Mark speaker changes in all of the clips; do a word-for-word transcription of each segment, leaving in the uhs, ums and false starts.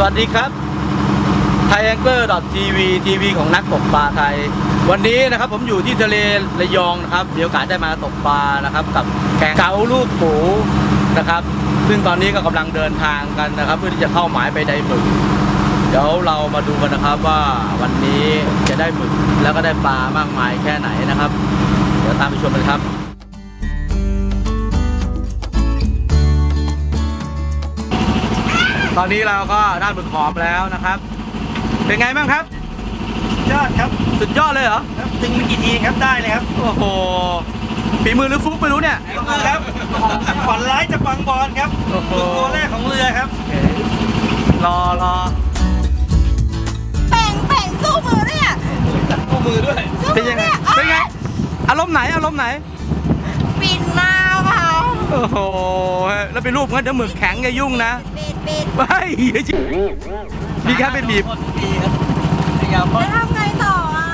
Speaker 1: วัสดีครับ Triangler ที วี ทีวีของนักตกปลาไทยวันนี้นะครับผมอยู่ที่ทะเลระยองนะครับมีโอกาสได้มาตกปลานะครับกับแกงเก๋าลูกปูนะครับซึ่งตอนนี้ก็กำลังเดินทางกันนะครับเพื่อที่จะเข้าหมายไปไดหมึกเดี๋ยวเรามาดูกันนะครับว่าวันนี้จะได้หมึกแล้วก็ได้ปลามากมายแค่ไหนนะครับเดี๋ยวตามไปชมกันครับตอนนี้เราก็ได้หมึกหอมแล้วนะครับเป็นไงบ้างครับ
Speaker 2: ยอดครับ
Speaker 1: สุดยอดเลยเหรอ
Speaker 2: ครับดึงไปกี่ทีครับได้เลยครับ
Speaker 1: โอ้โหฝีมือหรือฟุกไม่รู้เนี่ย
Speaker 2: ฝีมือครับฝันร้ายจะปังบอลครับตัวแรกของเรือครับ
Speaker 1: รอรอ
Speaker 3: แป่งแป่งสู้มือเนี่ย
Speaker 2: สู้มือด้วย
Speaker 1: เป็นยังไงเป็นไงอารมณ์ไหนอารมณ์ไหน
Speaker 3: ปิ่นมาค่ะ
Speaker 1: โอ้โหแล้วไปรูปงั้นเดี๋ยวหมึกแข็งจะยุ่งนะ
Speaker 3: ปิดปิด
Speaker 1: ไม่มีแค่ไปบีบ
Speaker 3: แล้วทำไงต่ออ่ะ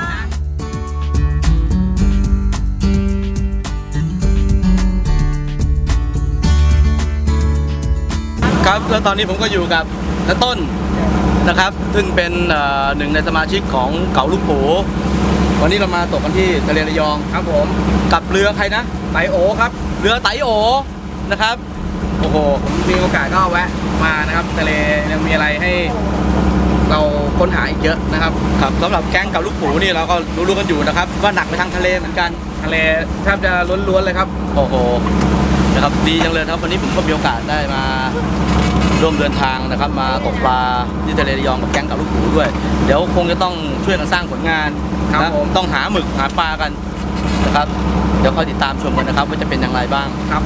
Speaker 1: ครับแล้วตอนนี้ผมก็อยู่กับน้าต้นนะครับซึ่งเป็นหนึ่งในสมาชิกของเก๋าลูกปูวันนี้เรามาตกกันที่ทะเลระยองครับผมกับเรือใครนะ
Speaker 2: ไตโอครับ
Speaker 1: เรือไตโอนะครับ
Speaker 2: โอ้โหผมมีโอกาสก็แวะมานะครับทะเลยังมีอะไรให้เราค้นหาอีกเยอะนะครับ
Speaker 1: ครับสำหรับแก๊งเก๋าลูกปูนี่เราก็รู้ๆกันอยู่นะครับว่าหนักไปทางทะเลเหมือนกัน
Speaker 2: ทะเลแทบจะล้วนๆเลยครับ
Speaker 1: โอ้โหนะครับดีจังเลยครับวันนี้ผมก็มีโอกาสได้มาร่วมเดินทางนะครับมาตกปลาที่ทะเลระยองกับแก๊งเก๋าลูกปูด้วยเดี๋ยวคงจะต้องช่วยกันสร้างผลงาน
Speaker 2: ครับผม
Speaker 1: ต้องหาหมึกหาปลากันนะครับเดี๋ยวคอยติดตามชมกันนะครับว่าจะเป็นอย่างไรบ้าง
Speaker 2: ครับ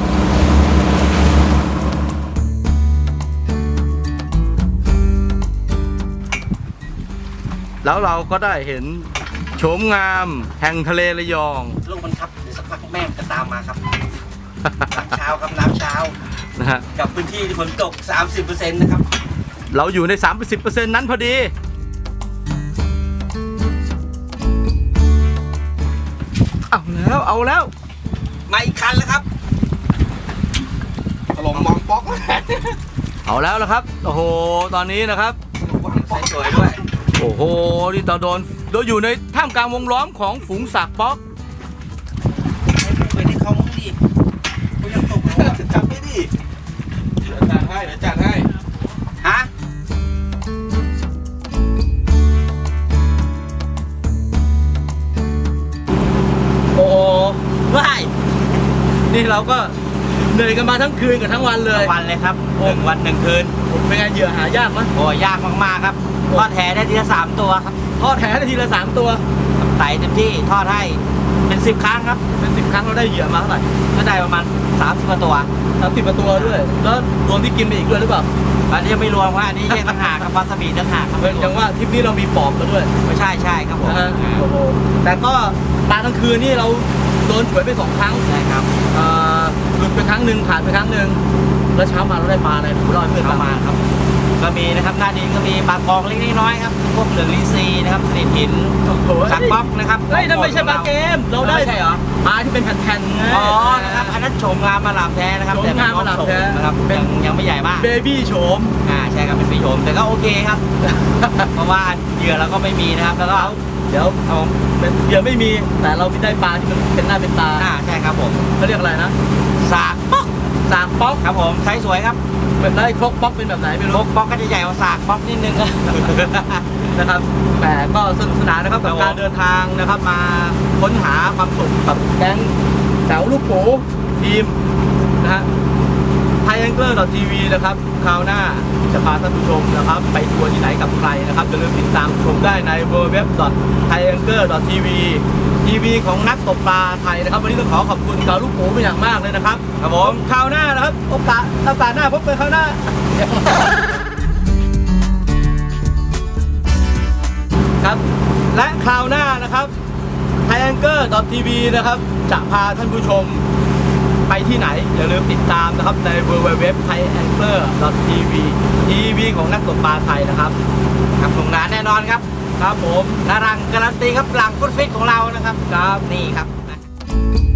Speaker 1: แล้วเราก็ได้เห็นโฉมงามแห่งทะเลระยอง
Speaker 2: ลูกมันครับเดี๋ยวสักพักแม่จะตามมาครับน้ำเช้าครับน้ำเช้า
Speaker 1: นะฮะ
Speaker 2: กับพื้นที่ที่ฝนตก สามสิบเปอร์เซ็นต์ นะครับ
Speaker 1: เราอยู่ใน สามสิบเปอร์เซ็นต์ นั้นพอดีเอาแล้วเอาแล้ว
Speaker 2: มาอีกคันแล้วครับถล่มมองป๊อก
Speaker 1: เอาแล้วละครับโอ้โหตอนนี้นะครับ
Speaker 2: สวยด้วย
Speaker 1: โอ้โหนี่เราโดนโดนอยู่ในท่ามกลางวงล้อมของฝูงสักป๊อก
Speaker 2: ไปที่เขามึงดิเขายังตกจับไม่ดิเดี๋ยวจัดให้เดี๋ยวจัดให้ฮะ
Speaker 1: โอ้ว้ายนี่เราก็เหนื่อยกันมาทั้งคืนกับทั้งวันเลย
Speaker 2: วันเลยครับหนึ่งวันหนึ่งคืน
Speaker 1: เป็นไงเหยื่อหายากไหม
Speaker 2: โอ้ยากมากๆครับทอดแหได้ทีละสามตัวครับ
Speaker 1: ทอดแหได้ทีละสามตัว
Speaker 2: ไต่เต็มที่ทอดให้เป็นสิบครั้งครับ
Speaker 1: เป็นสิบครั้งเราได้เหยื่อมาเท่าไหร่
Speaker 2: ก็ได้ประมาณสามสิบตัว
Speaker 1: สามสิบตัวด้วยแล้วรวมที่กินไปอีกด้วยหรือเปล่า
Speaker 2: อันนี้ยังไม่รวมว่าอันนี้แยกต่างหากครับวาซาบิต่างหากครับ
Speaker 1: อย่างว่าทริปนี้เรามีปอบกันด้วย
Speaker 2: ไม่ใช่ใช่ครับผม
Speaker 1: แต่ก็ปลากลางคืนนี่เราโดนฉวยไปสองครั้ง
Speaker 2: ใช่ครับ
Speaker 1: หลุดไปครั้งหนึ่งขาดไปครั้งหนึ่งแล้วเช้ามาเราได้ปลาอะไรผมรอดเพื่อน
Speaker 2: มาครับก็มีนะครับหน้าดินก็มีปลากองเล็กน้อยครับพวกเหลืองลิซีนะครับสลิดหินสักป๊อกนะครับ
Speaker 1: เฮ้ยนั่นไม่ใช่ปลาเกมเราได้
Speaker 2: ใช่เหรอ
Speaker 1: ปลาที่เป็นแผ่นๆไง
Speaker 2: อ๋อนะครับอันนั้นโฉมงามมาหลามแท้นะครับ
Speaker 1: แต่งามมาหลามแท้
Speaker 2: นะครับเป็นยังไม่ใหญ่มาก
Speaker 1: เบบี้โฉม
Speaker 2: อ่าใช่ครับเป็นเบบี้โฉมแต่ก็โอเคครับเพราะว่าเหยื่อเราก็ไม่มีนะครับแล้วก็
Speaker 1: เดี๋ยวเอาเหยื่อไม่มีแต่เราได้ปลาที่มันเป็นหน้าเป็นตา
Speaker 2: อ่าใช่ครับผม
Speaker 1: เขาเรียกอะไรนะ
Speaker 2: สากป๊อก
Speaker 1: สากป๊อก
Speaker 2: ครับผมไซส์สวยครับ
Speaker 1: เป็นได้ครกป๊อกเป็นแบบไหนไม่รู้
Speaker 2: ครกป๊อกก็จะใหญ่กว่าสากป๊อกนิดนึง
Speaker 1: นะครับแต่ก็สนุกสนานนะครับกับการเดินทางนะครับมาค้นหาความสุขกับแก๊งแถวลูกปูทีมนะฮะ Triangler ที วี นะครับคราวหน้าจะพาท่านผู้ชมนะครับไปทัวร์ที่ไหนกับใครนะครับอย่าลืมติดตามชมได้ใน ดับเบิลยู ดับเบิลยู ดับเบิลยู ดอท ไทรแองเกิล ดอท ที วี ทีวีของนักตกปลาไทยนะครับวันนี้ต้องขอขอบคุณเก๋าลูกปูเป็นอย่างมากเลยนะครับ
Speaker 2: ครับผม
Speaker 1: คราวหน้านะครับโอกาสโอกาสหน้าพบกันคราวหน้าครับและคราวหน้านะครับ ไทรแองเกิล ดอท ที วี นะครับจะพาท่านผู้ชมไปที่ไหนอย่าลืมติดตามนะครับใน ดับเบิลยู ดับเบิลยู ดับเบิลยู ดอท ไทรแองเกิล ดอท ที วี ทีวีของนักตกปลาไทยนะครับ
Speaker 2: ครับสงกรานต์แน่นอนครับ
Speaker 1: ครับผม
Speaker 2: นารังการันตีครับหลังฟุตฟิตของเรานะครับ
Speaker 1: ครับ
Speaker 2: นี่ครับ